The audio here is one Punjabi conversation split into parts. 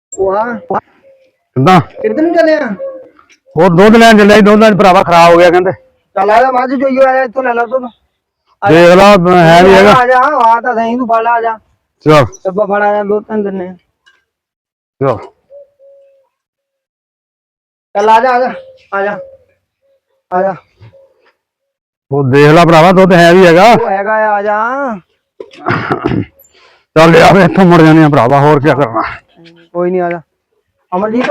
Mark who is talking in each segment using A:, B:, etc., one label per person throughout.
A: ਵਾਹ
B: ਕਿੱਦਾਂ
A: ਕਿੱਧਰ ਨੂੰ ਚੱਲੇ ਆ?
B: ਉਹ ਦੁੱਧ ਲੈਣ ਚੱਲਿਆ ਸੀ, ਦੁੱਧ ਅੱਜ ਭਰਾਵਾ ਖਰਾਬ ਹੋ ਗਿਆ ਕਹਿੰਦੇ।
A: ਚੱਲ ਆ ਜਾ ਮੱਝ ਚੋਈਓ ਆ ਜਾ ਇੱਥੋਂ ਲੈ ਲਾ ਦੁੱਧ।
B: ਦੇਖ ਲਾ ਹੈ ਵੀ ਹੈਗਾ।
A: ਆ ਜਾ ਆ ਤਾਂ ਸਹੀ ਤੂੰ ਫੜ ਲਾ ਆ ਜਾ।
B: ਚਲ
A: ਡੱਬਾ ਫੜ ਆ ਜਾ ਦੁੱਧ ਤੈਨੂੰ ਦਿੰਨੇ।
B: ਚਲ
A: ਚੱਲ ਆ ਜਾ ਆ ਜਾ ਆ ਜਾ ਆ ਜਾ।
B: ਉਹ ਦੇਖ ਲਾ ਭਰਾਵਾ ਦੁੱਧ ਹੈ ਵੀ ਹੈਗਾ।
A: ਉਹ ਹੈਗਾ ਆ ਜਾ।
B: ਚੱਲ ਯਾਰ ਇੱਥੋਂ ਮੁੜ ਜਾਂਦੇ ਆ ਭਰਾਵਾ, ਹੋਰ ਕੀ ਕਰਨਾ।
A: ਕੋਈ ਨਹੀਂ ਆ ਜਾ ਅਮਰਜੀਤ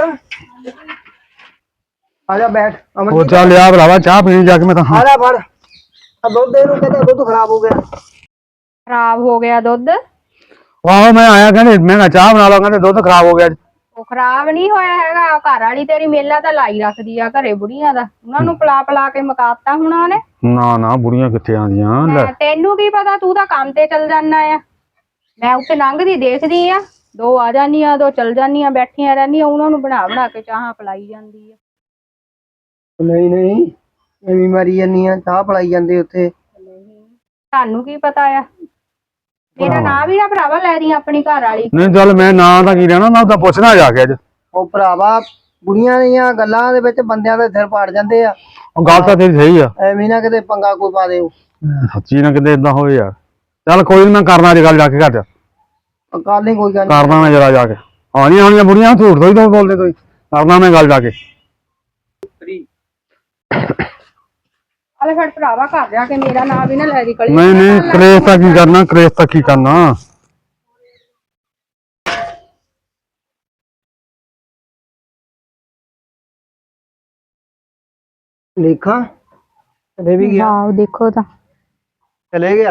A: ਆ ਜਾ ਬੈਠ।
B: ਉਹ
A: ਅਮਰਜੀਤ
B: ਚੱਲ ਯਾਰ ਭਰਾਵਾ ਚਾਹ ਪੀਣੀ ਜਾ ਕੇ ਮੈਂ ਤਾਂ।
A: ਆ ਜਾ ਫੜ ਆ ਦੁੱਧ ਦੇ ਨੂੰ ਕਹਿੰਦਾ ਦੁੱਧ ਖਰਾਬ ਹੋ ਗਿਆ।
C: ਖਰਾਬ ਹੋ ਗਿਆ ਦੁੱਧ?
B: ਆਹੋ ਮੈਂ ਆਇਆ ਕਹਿੰਦੇ ਮੈਂ ਕਿਹਾ ਚਾਹ ਬਣਾ ਲਓ, ਕਹਿੰਦੇ ਦੁੱਧ ਖਰਾਬ ਹੋ ਗਿਆ।
C: ਉਹ ਖਰਾਬ ਨਹੀਂ ਹੋਇਆ ਹੈਗਾ, ਘਰ ਵਾਲੀ ਤੇਰੀ ਮੇਲਾ ਤਾਂ ਲਾਈ ਰੱਖਦੀ ਆ ਘਰੇ ਬੁੜੀਆਂ ਦਾ, ਉਹਨਾਂ ਨੂੰ ਪਲਾ ਪਲਾ ਕੇ ਮਕਾਤਾ ਹੁਣਾ ਉਹਨੇ।
B: ਨਾ ਨਾ ਬੁੜੀਆਂ ਕਿੱਥੇ ਆਉਂਦੀਆਂ ਲੈ।
C: ਤੈਨੂੰ ਕੀ ਪਤਾ, ਤੂੰ ਤਾਂ ਕੰਮ ਤੇ ਚਲ ਜਾਣਾ ਆ। ਮੈਂ ਉੱਤੇ ਲੰਘਦੀ ਦੇਖਦੀ ਆ, ਦੋ ਆ ਜਾਂਦੀਆਂ ਦੋ ਚਲ ਜਾਂਦੀਆਂ, ਬੈਠੀਆਂ ਰਹਿੰਦੀਆਂ, ਉਹਨਾਂ ਨੂੰ ਬਣਾ ਬਣਾ ਕੇ ਚਾਹਾਂ ਪਲਾਈ ਜਾਂਦੀ ਆ।
A: ਨਹੀਂ ਨਹੀਂ ਐਵੇਂ ਮਾਰੀ ਜਾਂਦੀ ਆ, ਚਾਹ ਪਲਾਈ ਜਾਂਦੇ ਉੱਥੇ।
C: ਤੁਹਾਨੂੰ ਕੀ ਪਤਾ ਆ? ਮੇਰਾ ਨਾਂ ਵੀ ਨਾ ਭਰਾਵਾ ਲੈ ਦੀ ਆਪਣੀ ਘਰ ਵਾਲੀ।
B: ਨਹੀਂ ਚੱਲ ਮੈਂ ਨਾਂ ਤਾਂ ਕੀ ਲੈਣਾ, ਮੈਂ ਤਾਂ ਪੁੱਛਣਾ ਜਾ ਕੇ ਅੱਜ।
A: ਉਹ ਭਰਾਵਾ ਬੁੜੀਆਂ ਦੀਆਂ ਗੱਲਾਂ ਦੇ ਵਿੱਚ ਬੰਦਿਆਂ ਦੇ ਸਿਰ ਪਾੜ ਜਾਂਦੇ ਆ।
B: ਉਹ ਗੱਲ ਤਾਂ ਤੇਰੀ ਸਹੀ ਆ,
A: ਐਵੇਂ ਨਾ ਕਿਤੇ ਪੰਗਾ ਕੋਈ ਪਾ ਦਿਓ।
B: ਸੱਚੀ ਨਾ ਕਿਤੇ ਏਦਾਂ ਹੋਵੇ ਯਾਰ। ਚੱਲ ਕੋਈ ਨੀ, ਮੈਂ ਕਰਨਾ ਅੱਜ ਗੱਲ ਜਾ ਕੇ ਘਰ ਚ।
A: ਕੱਲ ਨਹੀਂ ਕੋਈ ਗੱਲ
B: ਕਰਦਾ ਮੈਂ ਜਰਾ ਜਾ ਕੇ। ਆਉਣੀਆਂ ਆਉਣੀਆਂ ਬੁੜੀਆਂ ਝੂਠ ਤੋਂ ਹੀ ਤਾਂ ਬੋਲਦੇ ਕੋਈ। ਕਰਦਾ ਮੈਂ ਗੱਲ ਜਾ ਕੇ।
C: ਅਲੇ ਫੜ ਭਰਾਵਾ ਘਰ ਜਾ ਕੇ ਮੇਰਾ ਨਾਂ ਵੀ ਨਾ ਲੈ ਦੀ ਕਲੀ।
B: ਨਹੀਂ ਨਹੀਂ ਕਲੇਸ਼ ਤਾਂ ਕੀ ਕਰਨਾ, ਕਲੇਸ਼ ਤਾਂ ਕੀ ਕਰਨਾ।
A: ਦੇਖਾਂ ਚਲੇ ਵੀ ਗਿਆ।
C: ਆਹ ਦੇਖੋ ਤਾਂ
A: ਚਲੇ ਗਿਆ।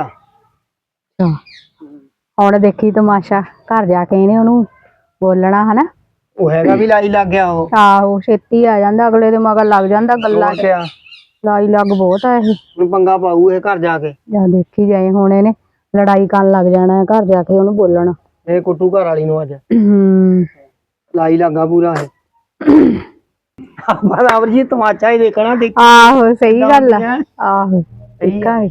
C: ਹੁਣ ਦੇਖੀ ਤਮਾਸ਼ਾ, ਘਰ ਜਾ ਕੇ ਇਹਨੇ ਉਹਨੂੰ ਬੋਲਣਾ ਹਨਾ।
A: ਉਹ ਹੈਗਾ ਵੀ ਲਾਈ ਲੱਗ ਗਿਆ। ਉਹ
C: ਆਹੋ ਛੇਤੀ ਆ ਜਾਂਦਾ, ਅਗਲੇ ਦੇ ਮਗਰ ਲੱਗ ਜਾਂਦਾ ਗੱਲਾਂ ਚ।
A: ਕਿਆ
C: ਲਾਈ ਲੱਗ ਬਹੁਤ ਆ ਇਹ।
A: ਹੁਣ ਪੰਗਾ ਪਾਊ ਇਹ ਘਰ ਜਾ ਕੇ।
C: ਜਾਂ ਦੇਖੀ ਜਾਏ, ਹੁਣ ਇਹਨੇ ਲੜਾਈ ਕਰਨ ਲੱਗ ਜਾਣਾ ਘਰ ਜਾ ਕੇ ਉਹਨੂੰ ਬੋਲਣਾ।
A: ਇਹ ਕੁੱਟੂ ਘਰ ਵਾਲੀ ਨੂੰ ਅੱਜ
C: ਹੂੰ
A: ਲਾਈ ਲੱਗਾ ਪੂਰਾ ਇਹ। ਬਰਾਬਰ ਜੀ ਤਮਾਚਾ ਹੀ ਦੇਖਣਾ। ਦੇਖ
C: ਆਹੋ ਸਹੀ ਗੱਲ ਆ। ਆਹੋ ਦੇਖਾਂਗੇ।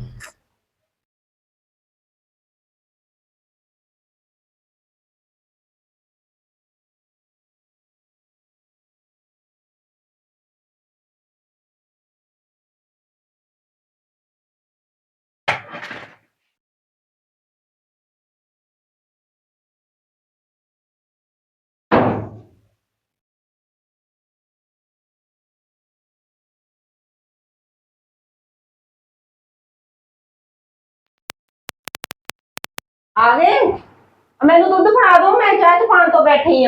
D: ਆ ਗਏ? ਮੈਨੂੰ ਦੁੱਧ ਫੜਾ ਦੋ, ਮੈਂ ਚਾਹ ਚ ਪਾਣ ਤੋਂ ਬੈਠੀ ਆ।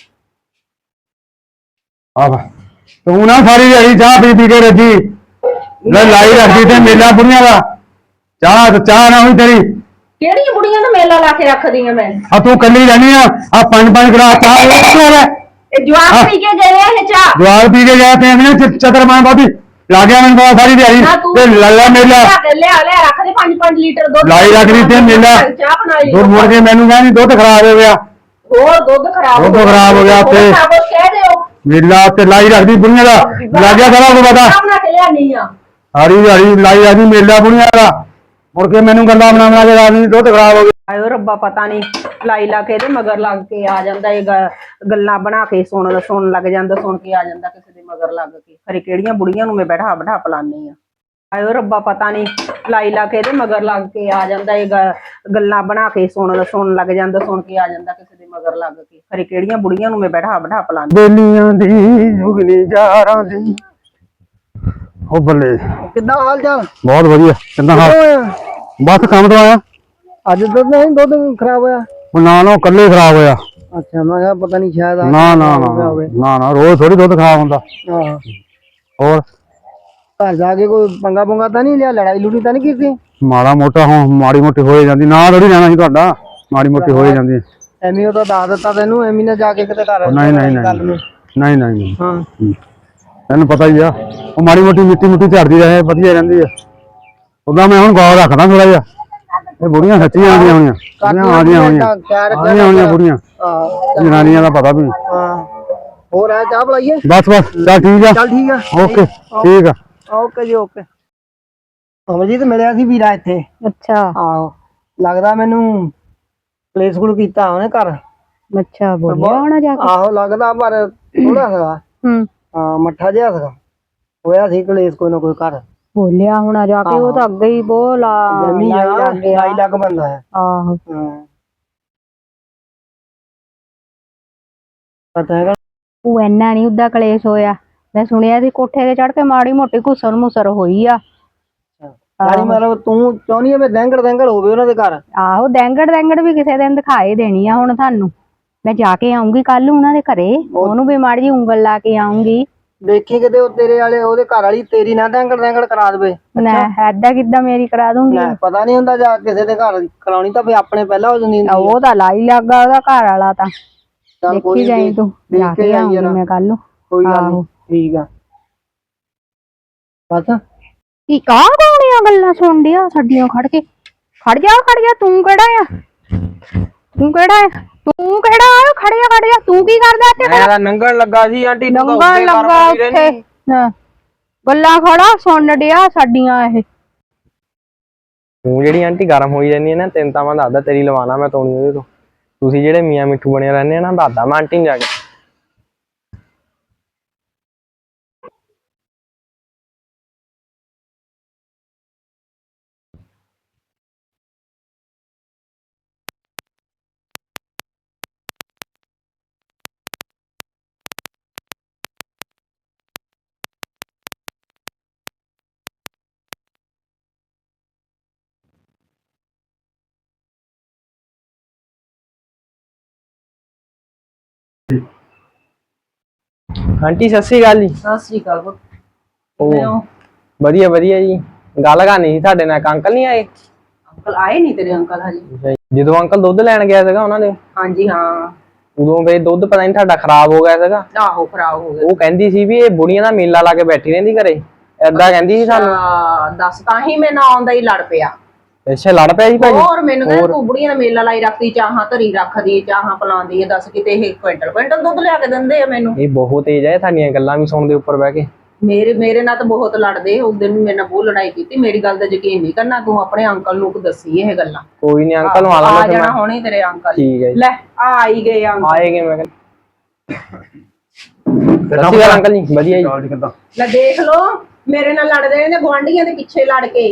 B: ਆਹ ਤੂੰ ਨਾ ਸਾਰੀ ਦਿਹਾੜੀ ਚਾਹ ਪੀ ਪੀ ਕੇ ਰੱਜੀ ਲੈ ਲਾਈ ਰੱਖਦੀ ਤੇ ਮੇਲਾ ਬੁੜੀਆਂ ਦਾ। ਚਾਹ ਨਾ ਹੋਈ ਤੇਰੀ।
D: ਕਿਹੜੀਆਂ ਬੁੜੀਆਂ ਨੂੰ ਮੇਲਾ ਲਾ ਕੇ ਰੱਖਦੀਆਂ ਮੈਂ?
B: ਆ ਤੂੰ ਕੱਲੀ ਰਹਿਣੀ ਆ ਪੰਜ ਪੰਜ ਗਲਾਸ ਚਾਹ
D: ਇਹ ਜਵਾਕ ਪੀ ਕੇ ਗਏ ਆ ਇਹ ਚਾਹ।
B: ਜਵਾਲ ਪੀ ਕੇ ਗਿਆ ਤੇ ਐਵੇਂ ਚਤਰਮਾਨ ਬਾਬੀ ਲਾ ਗਿਆ ਮੈਨੂੰ ਪਤਾ ਸਾਰੀ ਦਿਹਾੜੀ ਤੇ ਲੱਲਾ ਮੇਲਾ
D: ਲਿਆ ਰੱਖ ਦੇ 5 ਲੀਟਰ ਦੁੱਧ
B: ਲਾਈ ਰੱਖਦੀ ਤੇ ਮੇਲਾ
D: ਚਾਹ ਬਣਾਈ।
B: ਦੁੱਧ ਮੁੜ ਕੇ ਮੈਨੂੰ ਕਹਿੰਦੀ ਦੁੱਧ ਖਰਾਬ ਹੋ ਗਿਆ।
D: ਹੋਰ ਦੁੱਧ ਖਰਾਬ
B: ਹੋ ਗਿਆ ਉੱਥੇ
D: ਕਹਿ ਦਿਓ
B: ਮੇਲਾ ਤੇ ਲਾਈ ਰੱਖਦੀ ਬੁੜੀਆਂ ਦਾ। ਲੱਗਿਆ ਸਾਰਾ ਕੁਝ ਪਤਾ
D: ਬਣਾ ਕੇ ਲਿਆਨੀ ਆ।
B: ਸਾਰੀ ਦਿਹਾੜੀ ਲਾਈ ਰੱਖਦੀ ਮੇਲਾ ਬੁੜੀਆਂ ਦਾ। ਮੁੜ ਕੇ ਮੈਨੂੰ ਗੱਲਾਂ ਬਣਾ ਕੇ ਰਾਤ ਨੂੰ ਦੁੱਧ ਖਰਾਬ ਹੋ ਗਿਆ।
D: ਆਇਓ ਰੱਬਾ ਪਤਾ ਨਹੀਂ ਲਾਈ ਲਾ ਕੇ ਇਹਦੇ ਮਗਰ ਲੱਗ ਕੇ ਆ ਜਾਂਦਾ। ਇਹ ਗੱਲਾਂ ਬਣਾ ਕੇ ਸੁਣਨ ਲੱਗ ਜਾਂਦਾ, ਸੁਣ ਕੇ ਆ ਜਾਂਦਾ ਕਿਸੇ ਦੇ ਮਗਰ ਲੱਗ ਕੇ। ਖਰੇ ਕਿਹੜੀਆਂ ਬੁੜੀਆਂ ਨੂੰ ਮੈਂ ਬੈਠਾ ਪਲਾਨੀ ਆ। ਆਇਓ ਰੱਬਾ ਪਤਾ ਨਹੀਂ ਲਾਈ ਲਾ ਕੇ ਇਹਦੇ ਮਗਰ ਲੱਗ ਕੇ ਆ ਜਾਂਦਾ। ਇਹ ਗੱਲਾਂ ਬਣਾ ਕੇ ਸੁਣਨ ਲੱਗ ਜਾਂਦਾ, ਸੁਣ ਕੇ ਆ ਜਾਂਦਾ ਕਿਸੇ ਦੇ ਮਗਰ ਲੱਗ ਕੇ। ਖਰੇ ਕਿਹੜੀਆਂ ਬੁੜੀਆਂ ਨੂੰ ਮੈਂ ਬੈਠਾ ਪਲਾਨੀ।
B: ਬੇਲੀਆਂ ਦੀ ਜੁਗਨੀ ਜਾਰਾਂ ਦੀ। ਉਹ ਬੱਲੇ
A: ਕਿੱਦਾਂ ਹਾਲ ਚਾਲ?
B: ਬਹੁਤ ਵਧੀਆ। ਕਿੰਨਾ ਹਾਲ? ਬਸ ਕੰਮ ਤੋਂ ਆਇਆ।
A: ਅੱਜ ਦੁੱਧ ਨਹੀਂ ਦੁੱਧ ਖਰਾਬ ਹੋਇਆ?
B: ਨਾ ਕੱਲੇ ਖਰਾਬ ਹੋਇਆ।
A: ਅੱਛਾ ਮੈਂ ਕਿਹਾ ਪਤਾ ਨਹੀਂ ਸ਼ਾਇਦ
B: ਨਾ ਰੋਜ਼ ਥੋੜੀ ਦੁੱਧ ਖਰਾਬ ਹੁੰਦਾ।
A: ਹਾਂ
B: ਹੋਰ
A: ਘਰ ਜਾ ਕੇ ਕੋਈ ਪੰਗਾ ਪੁੰਗਾ ਤਾਂ ਨਹੀਂ ਲਿਆ? ਲੜਾਈ ਲੁੜੀ ਤਾਂ ਨਹੀਂ ਕੀਤੀ?
B: ਮਾੜਾ ਮੋਟਾ ਹੁਣ ਮਾੜੀ ਮੋਟੀ ਹੋਏ ਜਾਂਦੀ। ਨਾ ਥੋੜੀ ਰਹਿਣਾ ਸੀ ਤੁਹਾਡਾ, ਮਾੜੀ ਮੋਟੀ ਹੋਏ ਜਾਂਦੀ।
A: ਐਵੇਂ ਉਹ ਤਾਂ ਦੱਸ ਦਿੱਤਾ ਤੈਨੂੰ, ਐਵੇਂ ਨਾ ਜਾ ਕੇ ਕਿਤੇ ਘਰ
B: ਨਹੀਂ
A: ਹਾਂ
B: ਤੈਨੂੰ ਪਤਾ ਹੀ ਆ। ਉਹ ਮਾੜੀ ਮੋਟੀ ਮਿੱਟੀ ਝੜਦੀ ਰਹੇ ਵਧੀਆ ਰਹਿੰਦੀ ਆ। ਉਹਦਾ ਮੈਂ ਹੁਣ ਗੌਰ ਰੱਖਦਾ ਥੋੜਾ ਜਿਹਾ। ਇਹ ਬੁੜੀਆਂ ਸੱਚੀਆਂ ਆਉਂਦੀਆਂ ਹੋਈਆਂ ਬੁੜੀਆਂ ਜਨਾਨੀਆਂ ਦਾ ਪਤਾ ਵੀ।
A: ਹਾਂ ਹੋਰ ਆ ਚਾਹ ਬੁਲਾਈਏ?
B: ਬਸ ਚੱਲ ਠੀਕ ਆ।
A: ਚੱਲ ਠੀਕ ਆ।
B: ਓਕੇ ਠੀਕ ਆ।
A: ਓਕੇ ਜੀ ਓਕੇ। ਅਮਰਜੀਤ ਮਿਲਿਆ ਸੀ ਵੀਰਾ ਇੱਥੇ।
C: ਅੱਛਾ
A: ਆਹੋ ਲੱਗਦਾ ਮੈਨੂੰ ਪਲੇਸ ਕੋਲ ਕੀਤਾ ਉਹਨੇ ਘਰ।
C: ਅੱਛਾ ਬੋਲਿਆ ਹੋਣਾ ਜਾ ਕੇ।
A: ਆਹੋ ਲੱਗਦਾ ਪਰ ਥੋੜਾ ਸੀਗਾ।
C: ਹੂੰ
A: ਹਾਂ ਮੱਠਾ ਜਿਹਾ ਸੀਗਾ, ਹੋਇਆ ਸੀ ਕਲੇਸ਼ ਕੋਈ ਨਾ ਕੋਈ ਘਰ।
C: ਬੋਲਿਆ ਹੋਣਾ ਜਾ ਕੇ, ਉਹ ਤਾਂ ਅੱਗੇ ਹੀ ਬੋਲਾ
A: ਜਮੀ ਆ
C: ਲੱਗ ਗਿਆ।
A: ਲਾਈ ਲੱਗ ਬੰਦਾ ਹੈ।
C: ਆਹੋ
A: ਹਾਂ ਪਤਾ ਹੈਗਾ।
C: ਉਹ ਇੰਨਾ ਨੀ ਉਹਦਾ ਕਲੇਸ਼ ਹੋਇਆ। ਮੈਂ ਸੁਣਿਆ ਸੀ ਕੋਠੇ ਤੇ ਚੜ ਕੇ ਮਾੜੀ ਮੋਟੀ ਘੁਸਰ ਮੁਸਰ ਹੋਈ ਆ।
A: ਯਾਨੀ ਮਤਲਬ ਤੂੰ ਚਾਹੁੰਦੀ ਆ ਵੀ ਦੈਂਗੜ ਦੈਂਗੜ ਹੋਵੇ ਉਹਨਾਂ ਦੇ ਘਰ।
C: ਆਹੋ ਦੈਂਗੜ ਵੀ ਕਿਸੇ ਦਿਨ ਦਿਖਾਏ ਦੇਣੀ ਆ ਹੁਣ ਤੁਹਾਨੂੰ। ਮੈਂ ਜਾ ਕੇ ਆਉਂਗੀ ਕੱਲ ਉਹਨਾਂ ਦੇ ਘਰੇ, ਉਹਨੂੰ ਵੀ ਮਾੜੀ ਜਿਹੀ ਉਂਗਲ ਲਾ ਕੇ ਆਉਂਗੀ।
A: ਦੇਖੀ ਕਿਤੇ ਉਹ ਤੇਰੇ ਵਾਲੇ ਉਹਦੇ ਘਰ ਵਾਲੀ ਤੇਰੀ ਨਾ ਦੈਂਗੜ ਦੈਂਗੜ ਕਰਾ ਦੇਵੇ।
C: ਨਾ ਏਦਾਂ ਕਿੱਦਾਂ ਮੇਰੀ ਕਰਾ ਦੂੰਗੀ।
A: ਲੈ ਪਤਾ ਨਹੀਂ ਹੁੰਦਾ ਜਾ ਕਿਸੇ ਦੇ ਘਰ ਕਰਾਉਣੀ ਤਾਂ ਵੀ ਆਪਣੇ ਪਹਿਲਾਂ ਹੋ ਜਾਂਦੀ ਹੁੰਦੀ ਆ।
C: ਉਹ ਤਾਂ ਲਾਈ ਲੱਗਾ ਉਹਦਾ ਘਰ ਵਾਲਾ ਤਾਂ।
A: ਚੱਲ
C: ਦੇਖੀ
A: ਕੋਈ
C: ਜਾਈ ਤੂੰ, ਜਾ ਕੇ ਆਉਂਗੀ ਮੈਂ ਕੱਲ ਨੂੰ।
A: ਕੋਈ ਗੱਲ
C: ਆਹੋ।
A: ਨੀ ਠੀਕ ਆ ਬਸ।
C: ਕੀ ਕਾਹ ਕੋਣੀਆਂ ਗੱਲਾਂ ਸੁਣ ਡਿਆ ਸਾਡੀਆਂ ਖੜ ਕੇ। ਖੜ ਜਾ ਤੂੰ ਕਿਹੜਾ ਆ? ਤੂੰ ਕਿਹੜਾ ਆ? ਖੜ ਜਾ ਤੂੰ ਕੀ ਕਰਦਾ ਇੱਥੇ?
E: ਮੈਂ ਤਾਂ ਨੰਗਣ ਲੱਗਾ ਸੀ ਆਂਟੀ, ਤੂੰ ਤਾਂ
C: ਨੰਗਾ
E: ਉੱਤੇ
C: ਲੱਗਾ
E: ਕਰਵਾਈ
C: ਉੱਥੇ
E: ਰਹਿੰਦੀ।
C: ਹਾਂ। ਗੱਲਾਂ ਖੜਾ ਸੁਣ ਡਿਆ ਸਾਡੀਆਂ ਇਹ।
E: ਤੂੰ ਜਿਹੜੀ ਆਂਟੀ ਗਰਮ ਹੋਈ ਰਹਿੰਦੀ ਹੈ ਨਾ, ਤੈਨੂੰ ਤਾਂ ਮੈਂ ਦੱਸਦਾ ਤੇਰੀ ਲਵਾਣਾ ਮੈਂ ਤੋਣੀ ਉਹਦੇ ਤੋਂ। ਤੁਸੀਂ ਜਿਹੜੇ ਮੀਆਂ ਮਿੱਠੂ ਬਣੇ ਰਹਿੰਦੇ ਆ ਨਾ, ਦੱਸਦਾ ਮੈਂ ਆਂਟੀ ਨੂੰ ਜਾ ਕੇ। ਆਂਟੀ ਸਤਿ ਸ਼੍ਰੀ ਅਕਾਲ ਜੀ।
D: ਸਤਿ ਸ੍ਰੀ ਅਕਾਲ ਪੁੱਤ।
E: ਉਹ
D: ਕਿਵੇਂ ਹੋ?
E: ਵਧੀਆ ਜੀ। ਗੱਲ ਕਰਨੀ ਸੀ ਤੁਹਾਡੇ ਨਾਲ, ਅੰਕਲ ਨਹੀਂ ਆਏ?
D: ਅੰਕਲ ਆਏ ਨਹੀਂ ਤੇਰੇ ਅੰਕਲ ਹਜੇ?
E: ਜਦੋਂ ਅੰਕਲ ਦੁੱਧ ਲੈਣ ਗਿਆ ਸੀਗਾ ਉਹਨਾਂ ਦੇ,
D: ਹਾਂਜੀ ਹਾਂ।
E: ਉਦੋਂ ਵੇ ਦੁੱਧ ਪਤਾ ਨਹੀਂ ਤੁਹਾਡਾ ਖਰਾਬ ਹੋ ਗਿਆ ਸੀਗਾ।
D: ਆਹੋ ਖਰਾਬ ਹੋ ਗਿਆ।
E: ਉਹ ਕਹਿੰਦੀ ਸੀ ਵੀ ਇਹ ਬੁੜੀਆਂ ਦਾ ਮੇਲਾ ਲਾ ਕੇ ਬੈਠੀ ਰਹਿੰਦੀ ਘਰੇ, ਏਦਾਂ ਕਹਿੰਦੀ ਸੀ ਸਾਨੂੰ।
D: ਦੱਸ ਤਾਂ ਹੀ ਮੈਂ ਨਾ ਆਉਂਦਾ ਹੀ ਲੜ ਪਿਆ।
E: ਅੱਛਾ ਲੜ ਪਿਆ ਜੀ ਭਾਜੀ?
D: ਹੋਰ ਮੈਨੂੰ ਕਹਿੰਦਾ ਤੂੰ ਬੁੜੀਆਂ ਦਾ ਮੇਲਾ ਲਾਈ ਰੱਖਦੀ, ਚਾਹਾਂ ਧਰੀ ਰੱਖਦੀ, ਚਾਹਾਂ ਪਲਾਉਂਦੀ ਹੈ। ਦੱਸ ਕਿਤੇ ਇਹ ਕੁਇੰਟਲ ਦੁੱਧ ਲਿਆ ਕੇ ਦਿੰਦੇ ਆ ਮੈਨੂੰ।
E: ਇਹ ਬਹੁਤ ਤੇਜ਼ ਹੈ, ਤੁਹਾਡੀਆਂ ਗੱਲਾਂ ਵੀ ਸੁਣਦੇ ਉੱਪਰ ਬਹਿ ਕੇ।
D: ਮੇਰੇ ਨਾਲ ਤਾਂ ਬਹੁਤ ਲੜਦੇ। ਉਸ ਦਿਨ ਵੀ ਮੇਰੇ ਨਾਲ ਬਹੁਤ ਲੜਾਈ ਕੀਤੀ। ਮੇਰੀ ਗੱਲ ਦਾ ਯਕੀਨ ਨਹੀਂ ਕਰਨਾ ਤੂੰ, ਆਪਣੇ ਅੰਕਲ ਨੂੰ ਦੱਸੀ ਇਹ ਗੱਲਾਂ।
E: ਕੋਈ ਨਹੀਂ ਅੰਕਲ ਨੂੰ
D: ਆ
E: ਆਣਾ
D: ਜਾਣਾ ਹੁਣੇ ਤੇਰੇ ਅੰਕਲ।
E: ਠੀਕ ਹੈ ਜੀ।
D: ਲੈ ਆ ਹੀ ਗਏ ਅੰਕਲ।
E: ਆਏਗੇ ਮੈਂ ਕਹਿੰਦਾ। ਸਤਿ ਸ਼੍ਰੀ ਅਕਾਲ ਅੰਕਲ ਜੀ। ਵਧੀਆ ਜੀ।
D: ਲੈ ਦੇਖ ਲੋ ਮੇਰੇ ਨਾਲ ਲੜਦੇ ਨੇ ਗੁਆਂਢੀਆਂ ਦੇ ਪਿੱਛੇ ਲੜ ਕੇ।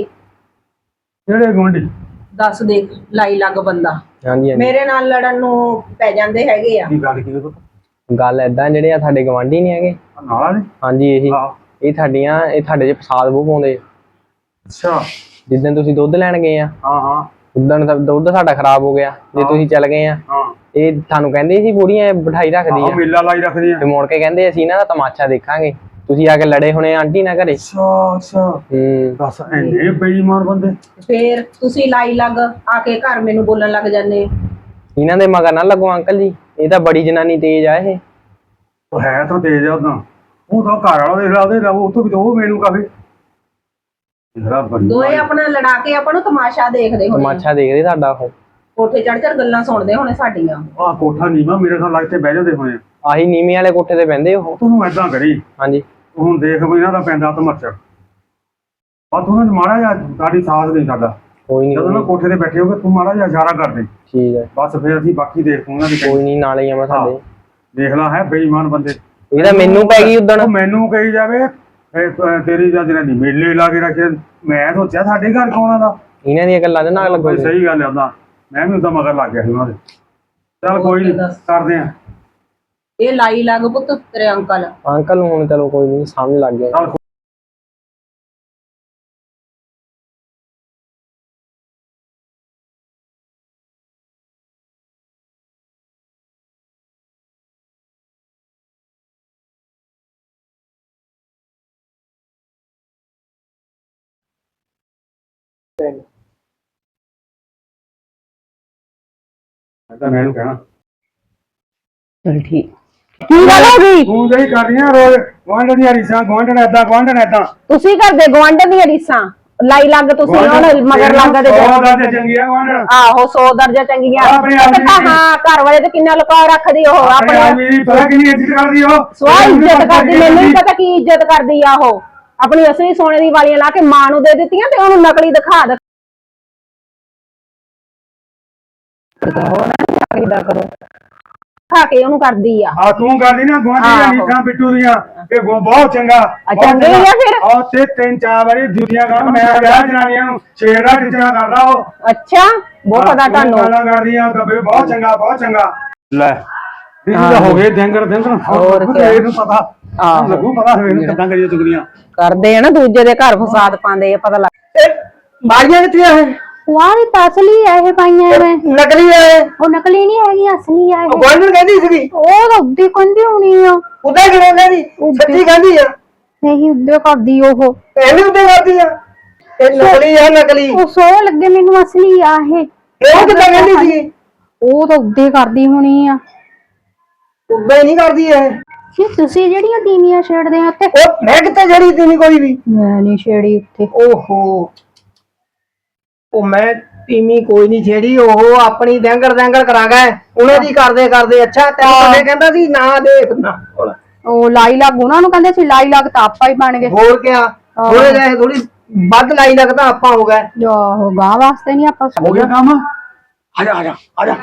B: ਕਿਹੜੇ ਗੁਆਂਢੀ?
D: ਦੱਸ ਦੇਖ ਲਾਈ ਲੱਗ ਬੰਦਾ
E: ਹਾਂਜੀ
D: ਮੇਰੇ ਨਾਲ ਲੜਨ ਨੂੰ ਪੈ ਜਾਂਦੇ ਹੈਗੇ ਆ।
B: ਕੀ ਗੱਲ ਕੀ ਤੂੰ?
E: ਗੱਲ ਏਦਾਂ, ਜਿਹੜੇ ਆ ਸਾਡੇ ਗਵਾਂਢੀ ਨਹੀਂ ਹੈਗੇ?
B: ਨਾਲਾ ਨੇ?
E: ਹਾਂਜੀ ਇਹ ਤੁਹਾਡੇ ਚ ਫਸਾਦ ਬਹੁਤ ਪਾਉਂਦੇ।
B: ਅੱਛਾ।
E: ਜਿੱਦਣ ਤੁਸੀਂ ਦੁੱਧ ਲੈਣ ਗਏ ਆ,
B: ਹਾਂ
E: ਉਦਣ ਦੁੱਧ ਸਾਡਾ ਖਰਾਬ ਹੋ ਗਿਆ। ਜੇ ਤੁਸੀਂ ਚੱਲ ਗਏ ਆ,
B: ਹਾਂ।
E: ਇਹ ਤੁਹਾਨੂੰ ਕਹਿੰਦੇ ਸੀ ਬੁੜੀਆਂ ਬਿਠਾਈ ਰੱਖਦੀ ਆ,
B: ਮੇਲਾ ਲਾਈ ਰੱਖਦੀ ਆ।
E: ਤੇ ਮੁੜ ਕੇ ਕਹਿੰਦੇ ਅਸੀਂ ਇਹਨਾਂ ਦਾ ਤਮਾਸ਼ਾ ਦੇਖਾਂਗੇ। ਤੁਸੀਂ ਆ ਕੇ ਲੜੇ ਹੋਣੇ ਆਂਟੀ ਨਾਲ ਘਰੇ।
B: ਅੱਛਾ ਦੱਸ ਇੰਨੇ ਬੇਈਮਾਨ ਬੰਦੇ।
D: ਫੇਰ ਤੁਸੀਂ ਲਾਈ ਲੱਗ ਆ ਕੇ ਘਰ ਮੈਨੂੰ ਬੋਲਣ ਲੱਗ ਜਾਂਦੇ।
E: ਇਹਨਾਂ ਦੇ ਮਗਰ ਨਾ ਲੱਗੋ ਅੰਕਲ ਜੀ, ਇਹ ਤਾਂ ਬੜੀ ਜਨਾਨੀ ਤੇਜ਼ ਆ ਇਹ।
B: ਉਹ ਹੈ ਤਾਂ ਤੇਜ਼ ਆ ਉਦਾਂ। ਉਹ ਤਾਂ ਘਰ ਵਾਲਾ ਦੇਖ ਲਾ, ਉਹਦੇ ਉਹ ਤੋਂ ਵੀ ਉਹ ਮੈਨੂੰ ਕਾਫੀ
D: ਦੋਏ ਆਪਣਾ ਲੜਾ ਕੇ ਆਪਾਂ ਨੂੰ ਤਮਾਸ਼ਾ ਦੇਖਦੇ ਹੋਣੇ।
E: ਤਮਾਸ਼ਾ ਦੇਖਦੇ ਤੁਹਾਡਾ ਉਹ।
D: ਕੋਠੇ ਚੜ ਗੱਲਾਂ ਸੁਣਦੇ ਹੋਣੇ ਸਾਡੀਆਂ।
B: ਆਹ ਕੋਠਾ ਨੀਵਾਂ ਮੇਰੇ ਨਾਲ ਲੱਗ ਤੇ ਬਹਿ ਜਾਂਦੇ ਹੋਏ।
E: ਆਹੀ ਨੀਵੇਂ ਵਾਲੇ ਕੋਠੇ ਤੇ ਬਹਿੰਦੇ ਉਹ।
B: ਤੂੰ ਏਦਾਂ ਕਰੀ,
E: ਹਾਂਜੀ
B: ਹੁਣ ਦੇਖ ਵੀ ਇਹਨਾਂ ਦਾ ਪੈਂਦਾ ਤਮਰਚਾ। ਆ ਤੂੰ ਨਾ ਮਾੜਾ ਜਿਹਾ ਸਾਡੀ ਸਾਥ ਨਹੀਂ ਸਾਡਾ।
E: ਕੋਈ
B: ਜਦੋਂ ਨਾ
E: ਨਹੀਂ,
B: ਕੋਠੇ ਤੇ ਬੈਠੇ ਹੋਗੇ ਤੂੰ ਮਾੜਾ ਜਿਹਾ ਇਸ਼ਾਰਾ ਕਰ ਦੇ।
E: ਠੀਕ ਹੈ।
B: ਬਸ ਫਿਰ ਅਸੀਂ ਬਾਕੀ ਦੇਖ ਉਹਨਾਂ ਦੀ।
E: ਕੋਈ ਨਹੀਂ, ਨਾਲੇ ਆਵਾਂ ਸਾਡੇ।
B: ਦੇਖ ਲਾ ਹੈ ਬੇਈਮਾਨ ਬੰਦੇ।
E: ਇਹ ਤਾਂ ਮੈਨੂੰ ਪੈ ਗਈ ਉਦਣ।
B: ਉਹ ਮੈਨੂੰ ਕਹੀ ਜਾਵੇ ਤੇਰੀ ਜਾਂ ਜਿਹੜਾ ਨਹੀਂ ਮੇਲੇ ਲਾ ਕੇ ਰੱਖੇ। ਮੈਂ ਸੋਚਿਆ ਸਾਡੇ ਘਰ ਕੌਣ ਆਦਾ।
E: ਇਹਨਾਂ ਦੀਆਂ ਗੱਲਾਂ ਦੇ ਨਾਲ ਲੱਗੋ।
B: ਸਹੀ ਗੱਲ ਹੈ ਉਦਾਂ। ਮੈਂ ਵੀ ਉਦਾਂ ਮਗਰ ਲੱਗ ਗਿਆ ਸੀ ਉਹਨਾਂ ਦੇ। ਚੱਲ ਕੋਈ ਨਹੀਂ ਕਰਦੇ ਆ।
D: ਇਹ ਲਾਈ ਲੱਗ ਪੁੱਤ ਤੇਰੇ ਅੰਕਲ
E: ਨੂੰ ਹੁਣ ਚਲੋ ਕੋਈ ਨਹੀਂ, ਸਮਝ ਲੱਗ ਗਿਆ।
B: ਮੈਨੂੰ ਕਹਿਣਾ
D: ਚਲ ਠੀਕ।
C: ਕੀ ਗੱਲ ਹੋ ਗਈ?
B: ਤੂੰ ਜਿਹੜੀ ਕਰ ਰਹੀ ਆ ਰੋਜ਼ ਗਵਾਂਢ ਦੀਆਂ ਰੀਸਾਂ, ਗਵਾਂਢਣ ਏਦਾਂ ਗਵਾਂਢਣ ਏਦਾਂ।
D: ਤੁਸੀਂ ਕਰਦੇ ਗਵਾਂਢ ਦੀਆਂ ਰੀਸਾਂ ਲਾਈ ਲੱਗ। ਤੁਸੀਂ ਹੁਣ ਮਗਰ ਲੱਗ ਦੇ
B: ਚੰਗੀਆਂ ਗਵਾਂਢਣ।
D: ਆਹੋ 100 ਦਰਜਾ ਚੰਗੀਆਂ। ਹਾਂ ਘਰ ਵਾਲੇ ਤੇ ਕਿੰਨਾ ਲੁਕਾ ਰੱਖਦੀ ਉਹ ਆਪਣੇ।
B: ਪਤਾ ਕਿੰਨੀ ਇੱਜ਼ਤ ਕਰਦੀ ਉਹ।
D: ਸਵਾਹ ਇੱਜ਼ਤ ਕਰਦੀ। ਮੈਨੂੰ ਨਹੀਂ ਪਤਾ ਕੀ ਇੱਜ਼ਤ ਕਰਦੀ ਆ ਉਹ। ਆਪਣੀ ਅਸਲੀ ਸੋਨੇ ਦੀ ਵਾਲੀਆਂ ਲਾ ਕੇ ਮਾਂ ਨੂੰ ਦੇ ਦਿੱਤੀਆਂ ਤੇ ਉਹਨੂੰ ਨਕਲੀ ਦਿਖਾ ਕਰੋ। ਖਾ ਕੇ ਉਹਨੂੰ ਕਰਦੀ ਆ
B: ਆ ਤੂੰ ਕਰਦੀ ਨਾ ਗੁਆਂਢੀ ਦੀਆਂ ਨੀਤਾਂ ਬਿੱਟੂ ਦੀਆਂ ਇਹ ਬਹੁਤ ਚੰਗਾ
D: ਚੰਗੇ ਹੀ ਆ ਫਿਰ।
B: ਆ ਤੇ 3-4 ਵਾਰੀ ਜੁੱਤੀਆਂ ਕਰ ਮੈਂ ਵਿਆਹ ਜਨਾਨੀਆਂ ਨੂੰ ਛੇੜਾ ਟਿਚਣਾ ਕਰਦਾ ਉਹ
D: ਅੱਛਾ ਬਹੁਤ ਪਤਾ ਤੁਹਾਨੂੰ
B: ਗਾਲਾਂ ਕਰਦੀਆਂ ਗੱਬੇ ਬਹੁਤ ਚੰਗਾ ਲੈ ਇਹ ਤਾਂ ਹੋ ਗਏ ਡੰਗਰ
D: ਹੋਰ ਕਿਆ।
B: ਇਹਨੂੰ ਪਤਾ ਲੱਗੂ ਪਤਾ ਇਹਨੂੰ ਕਿੱਦਾਂ ਕਰੀਏ ਚੁਗਲੀਆਂ
D: ਕਰਦੇ ਆ ਨਾ ਦੂਜੇ ਦੇ ਘਰ ਫਸਾਦ ਪਾਉਂਦੇ ਆ ਪਤਾ ਲੱਗ
A: ਬਾਜੀਆਂ ਕਿੱਥੇ ਆ ਇਹ
C: ਵਾਹ ਇਹ ਤਾਂ ਅਸਲੀ ਆ ਇਹ ਪਾਈਆਂ ਮੈਂ
A: ਨਕਲੀ ਆ ਇਹ
C: ਉਹ ਨਕਲੀ ਨਹੀਂ ਹੈਗੀ ਅਸਲੀ ਆ ਇਹ
A: ਗੋਲਡਨ ਕਹਿੰਦੀ ਸੀਗੀ
C: ਉਹ ਤਾਂ ਉੱਦੀ ਕੰਦੀ ਹੋਣੀ ਆ
A: ਉਦਾਂ ਕਿਵੇਂ ਕਹਿੰਦੀ ਸੱਚੀ ਕਹਿੰਦੀ ਆ
C: ਨਹੀਂ ਉੱਦੇ ਕਰਦੀ ਉਹ
A: ਇਹਨੇ ਉੱਤੇ ਕਰਦੀ ਆ ਇਹ ਨਕਲੀ ਆ ਨਕਲੀ
C: ਉਹ ਸੋ ਲੱਗੇ ਮੈਨੂੰ ਅਸਲੀ ਆ ਇਹ
A: ਇਹ ਕਿੱਦਾਂ ਕਹਿੰਦੀ ਸੀਗੀ
C: ਉਹ ਤਾਂ ਉੱਦੇ ਕਰਦੀ ਹੋਣੀ ਆ
A: ਉਦਾਂ ਹੀ ਨਹੀਂ ਕਰਦੀ ਇਹ
C: ਜੀ ਤੁਸੀਂ ਜਿਹੜੀਆਂ ਤੀਵੀਆਂ ਛੇੜਦੇ ਆ ਉੱਤੇ
A: ਉਹ ਮੈਂ ਕਿੱਥੇ ਜੜੀ ਤੀ ਨਹੀਂ ਕੋਈ ਵੀ
C: ਮੈਂ ਨਹੀਂ ਛੇੜੀ ਉੱਤੇ
A: ਓਹੋ ਉਹ ਮੈਂ ਤੀਮੀ ਕੋਈ ਨਹੀਂ ਛੇੜੀ ਉਹ ਆਪਣੀ ਦੈਂਗਰ ਕਰਾ ਗਏ ਉਹਨਾਂ ਦੀ ਕਰਦੇ ਅੱਛਾ ਤੈਨੂੰ ਕਦੇ ਕਹਿੰਦਾ ਸੀ ਨਾ ਦੇਖ ਨਾ
C: ਉਹ ਲਾਈ ਲੱਗ ਉਹਨਾਂ ਨੂੰ ਕਹਿੰਦੇ ਸੀ ਲਾਈ ਲੱਗ ਤਾਂ ਆਪਾਂ ਹੀ ਬਣ ਗਏ
A: ਹੋਰ ਕਿਆ ਥੋੜੇ ਜਿਹੇ ਥੋੜੀ ਵੱਧ ਲਾਈ ਲੱਗਦਾ ਆਪਾਂ ਹੋ ਗਏ
C: ਜੋ ਗਾਂ ਵਾਸਤੇ ਨਹੀਂ ਆਪਾਂ
B: ਹੋ ਗਿਆ ਕੰਮ ਆ ਜਾ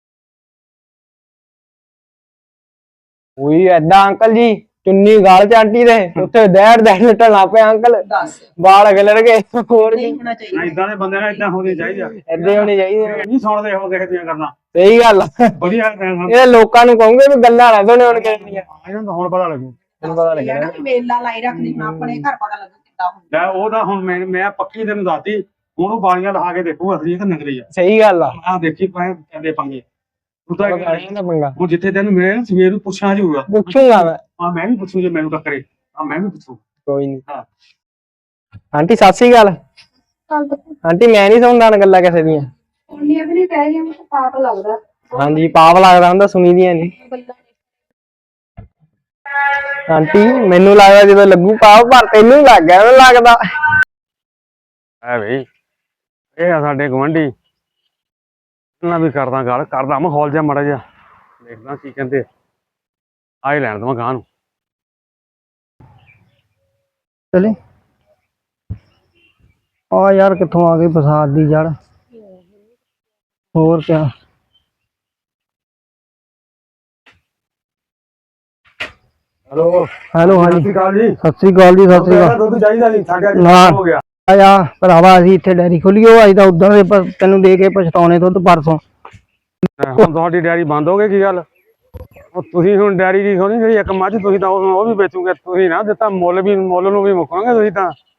E: ਉਹੀ ਏਦਾਂ ਅੰਕਲ ਜੀ ਚੁੰਨੀ ਗਾਲ ਚ ਆਂਟੀ ਦੇ ਉੱਥੇ ਦੈੜ ਲਟਣ ਲੱਗ ਪਿਆ ਅੰਕਲ ਵਾਲ ਅਗਲੜ ਗਏ ਹੋਰ ਕੀ
B: ਇਦਾਂ ਦੇ ਬੰਦੇ ਨਾਲ ਇਦਾਂ ਹੋਣੀ ਚਾਹੀਦੀ ਆ
E: ਏਦਾਂ ਹੋਣੀ ਚਾਹੀਦੀ
B: ਨਹੀਂ ਸੁਣਦੇ ਹੋ ਕਿਸੇ ਦੀਆਂ ਕਰਨਾ
E: ਸਹੀ ਗੱਲ ਆ
B: ਵਧੀਆ
E: ਇਹ ਲੋਕਾਂ ਨੂੰ ਕਹੋਗੇ ਵੀ ਗੱਲਾਂ ਨਾ ਸੁਣੇ ਹੁਣ ਕਿਹੜੀਆਂ
B: ਇਹਨਾਂ ਦਾ ਹੁਣ ਪਤਾ ਲੱਗੂ
E: ਤੈਨੂੰ ਪਤਾ ਲੱਗਿਆ
D: ਮੇਲਾ ਲਾਈ ਰੱਖਦੀ ਹੁਣ ਆਪਣੇ ਘਰ ਪਤਾ ਲੱਗੂ ਕਿੱਦਾਂ ਹੁੰਦਾ
B: ਲੈ ਉਹਦਾ ਹੁਣ ਮੈਂ ਪੱਕੀ ਤੈਨੂੰ ਦੱਸਦੀ ਹੁਣ ਉਹ ਬਾਲੀਆਂ ਲਹਾ ਕੇ ਦੇਖੂ ਅਸਲੀ ਕਿ ਨਕਲੀ ਆ
E: ਸਹੀ ਗੱਲ ਆ
B: ਆ ਦੇਖੀ ਪਾਏ ਕਹਿੰਦੇ ਪੰਗੇ ਤੂੰ ਤਾਂ
E: ਗਾਲੀਆਂ ਦਾ ਪੰਗਾ
B: ਹੁਣ ਜਿੱਥੇ ਤੈਨੂੰ ਮਿਲੇ ਨਾ ਸਵੇਰ ਨੂੰ ਪੁੱਛਾਂ ਜੂਗਾ
E: ਪੁੱਛੂਗਾ ਮੈਂ
B: ਆ ਮੈਂ ਵੀ ਪੁੱਛੂ ਜੇ ਮੈਨੂੰ ਟੱਕਰੇ ਆ ਮੈਂ ਵੀ ਪੁੱਛੂ
E: ਕੋਈ ਨਹੀਂ
B: ਹਾਂ
E: ਆਂਟੀ ਸਤਿ ਸ੍ਰੀ ਅਕਾਲ ਆਂਟੀ ਮੈਂ ਨਹੀਂ ਸੁਣਦਾ ਨਾ ਗੱਲਾਂ ਕਿਸੇ ਦੀਆਂ
C: ਉਹਨੇ ਵੀ ਕਹਿ ਰਹੀ ਮੈਨੂੰ ਪਾਪ ਲੱਗਦਾ
E: ਹਾਂਜੀ ਪਾਪ ਲੱਗਦਾ ਹੁੰਦਾ ਸੁਣੀ ਦੀਆਂ ਨਹੀਂ ਆਂਟੀ ਮੈਨੂੰ ਲੱਗਦਾ ਜਦੋਂ ਲੱਗੂ ਪਾਪ ਪਰ ਤੈਨੂੰ ਲੱਗ ਗਿਆ ਮੈਨੂੰ ਲੱਗਦਾ
B: ਐ ਬਈ ਇਹ ਆ ਸਾਡੇ ਗਵੰਡੀ ਇਹਨਾਂ ਵੀ ਕਰਦਾ ਮਾਹੌਲ ਜਿਹਾ ਮੜਾ ਜਿਹਾ ਦੇਖਦਾ ਕੀ ਕਹਿੰਦੇ ਆਏ ਲੈਣ ਦਵਾਂ ਗਾਂ ਨੂੰ
A: ਚਲੇ ਆ ਯਾਰ ਕਿੱਥੋਂ ਆ ਗਈ ਬਸਾਤ ਦੀ ਜੜ ਹੋਰ ਕਿਆ
B: ਹੈਲੋ
A: ਹੈਲੋ ਹਾਂਜੀ
B: ਸਤਿ ਸ਼੍ਰੀ ਅਕਾਲ ਜੀ
A: ਸਤਿ ਸ੍ਰੀ ਅਕਾਲ ਜੀ ਸਤਿ ਸ੍ਰੀ ਅਕਾਲ
B: ਦੁੱਧ ਚਾਹੀਦਾ ਨਹੀਂ ਸਾਡੇ ਅੱਜ
A: ਨਾ।
B: ਹੋ ਗਿਆ
A: ਆ ਭਰਾਵਾ ਅਸੀਂ ਇੱਥੇ ਡੈਰੀ ਖੋਲੀ ਉਹ ਅੱਜ ਤਾਂ ਉਦੋਂ ਦੇ ਤੈਨੂੰ ਦੇ ਕੇ ਪਛਤਾਉਣੇ ਦੁੱਧ ਪਰਸੋਂ
B: ਹੁਣ ਤੁਹਾਡੀ ਡੈਰੀ ਬੰਦ ਹੋ ਗਈ ਕੀ ਗੱਲ ਉਹ ਤੁਸੀਂ ਹੁਣ ਡੈਰੀ ਕੀ ਖੋਲੀ ਜਿਹੜੀ ਇੱਕ ਮੱਝ ਤੁਸੀਂ ਤਾਂ ਉਹ ਵੀ ਵੇਚੋਗੇ ਤੁਸੀਂ ਨਾ ਦਿੱਤਾ ਮੁੱਲ ਨੂੰ ਵੀ ਮੁੱਕਾਂਗੇ ਤੁਸੀਂ ਤਾਂ